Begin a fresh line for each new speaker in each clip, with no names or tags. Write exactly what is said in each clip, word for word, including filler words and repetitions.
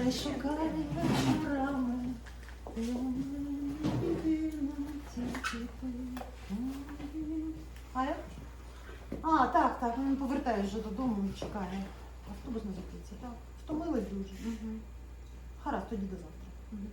Хай шукає вечорами. А я? А, так, так, він повертає вже додому і чекає. Автобус не закриється, так. Втомили дуже. Угу. Гаразд, тоді до завтра. Угу.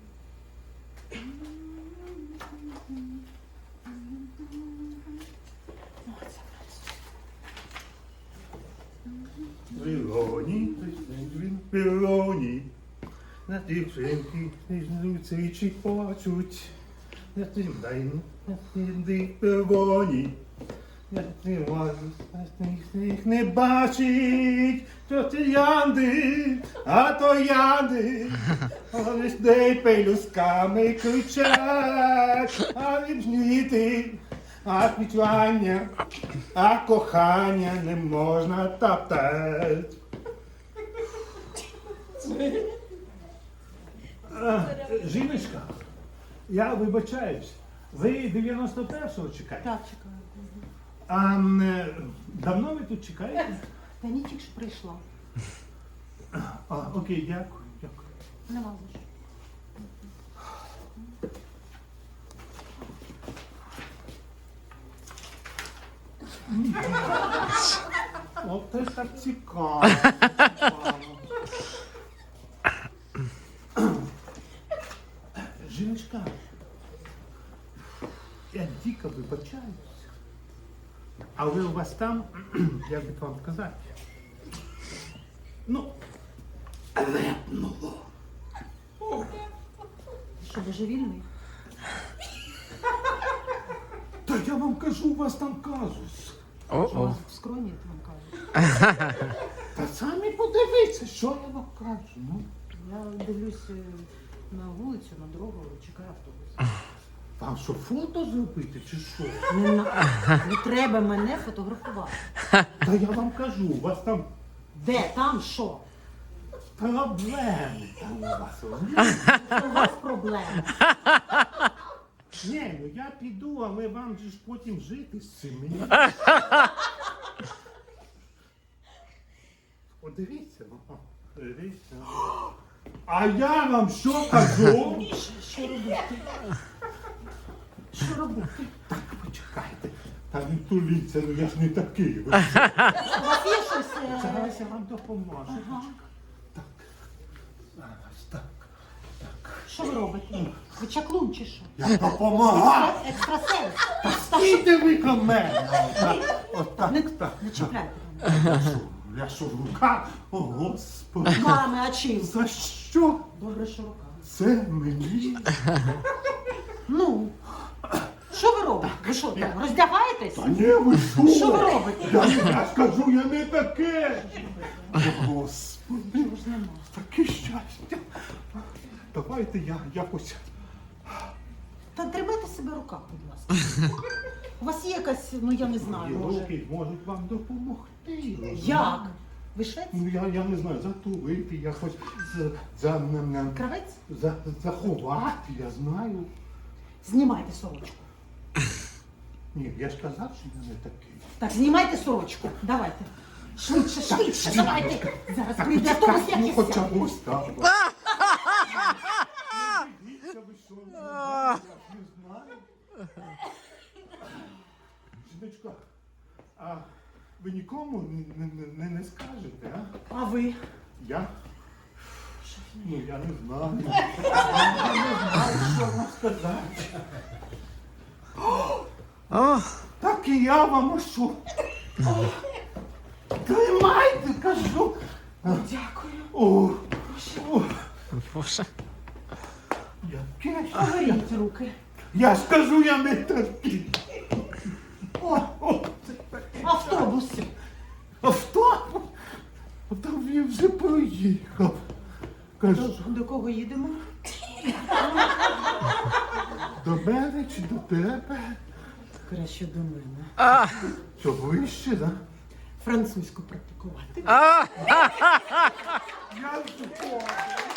Пилоні, він пилоні, на дівчинки ніжнуться і чіпочуть. Я тим дай, я тим пилоні, я тим їх не бачить, що це янди, а то янди. Вони ж де пелюсками кричать, а віджніти. А квітування, а кохання не можна топтати. Жіночка, я вибачаюсь, ви дев'яносто першого чекаєте?
Так, чекаю.
А м, давно ви тут чекаєте?
Та ні, тільки ж прийшла.
А, окей, дякую, дякую.
Нема за що.
О, це так цікаво. Жіночка, я дико вибачаюсь, але у вас там, як би вам сказати, ну, лепнуло.
Що, божевільний?
Та я вам кажу, у вас там казус.
Що у
О-о.
вас в скроні, я вам кажу.
Та самі подивіться, що я вам кажу. Ну,
Я дивлюсь е, на вулицю, на дорогу, чекаю автобус.
вам що, фото зробити чи що?
Не, на... Не треба мене фотографувати.
Та я вам кажу, у вас там
Де? Там що?
проблеми. Там у вас.
У вас проблеми.
Ні, ну я піду, але вам же ж потім жити з цим. Мені... Подивіться, ну, подивіться. А я вам що кажу?
Що робити? Що робити?
Так, почекайте. Та не туліться, ну я ж не такий. Ви
У вас є щось? е,
Зараз я вам допоможу.
Ага.
Так. Зараз, так. Так.
Що ви робите? Ви чаклун чи що?
Я допомагаю.
Екстрасенс. Та що?
Скільки ви ко мене? Отак, отак,
Не,
так.
не чіпляйте.
Я що, я що, рука? О, Господи.
Мами, а чим?
За що
Добре, що рука.
це мені?
Ну, що ви робите? Ви що, там, роздягаєтесь?
Та ні, ви що?
Що ви робите?
Я, я скажу, я не таке. О, Господи,
Чого ж нема?
таке щастя. Давайте я якось...
Та тримайте себе в руках, будь ласка. У вас є якась, ну я не знаю, може.
Руки можуть вам допомогти.
Як? Ви швець?
Ну, я, я не знаю, затулити якось, за, за, за,
Кравець?
за, заховати, я знаю.
Знімайте сорочку.
Ні, я ж казав, що я не такий.
Так, знімайте сорочку. Давайте. Швидше, швидше,
ні,
давайте. Зараз
Так,
прийде
почекай,
автобус, я
ну
не
хоча
сяду.
б ось так. Дивіться, ви що, не знаю, я ж не знаю. Жіночка, а ви нікому не, не, не, не скажете, а?
А ви?
Я? Ну, я не знаю. Я не знаю, що вам сказати.
О,
Так і я вам, а що? Тримайте, кажу.
Дякую.
О, о,
Боже.
яке ж.
Беріть руки.
Я ж кажу, я не такий.
О,
О, це
автобус.
авто. Там він вже проїхав.
До,
Кажу,
до кого їдемо?
до мене чи до тебе?
Краще до мене.
А,
Що, вище, да?
Французьку практикувати.
а.
Я ж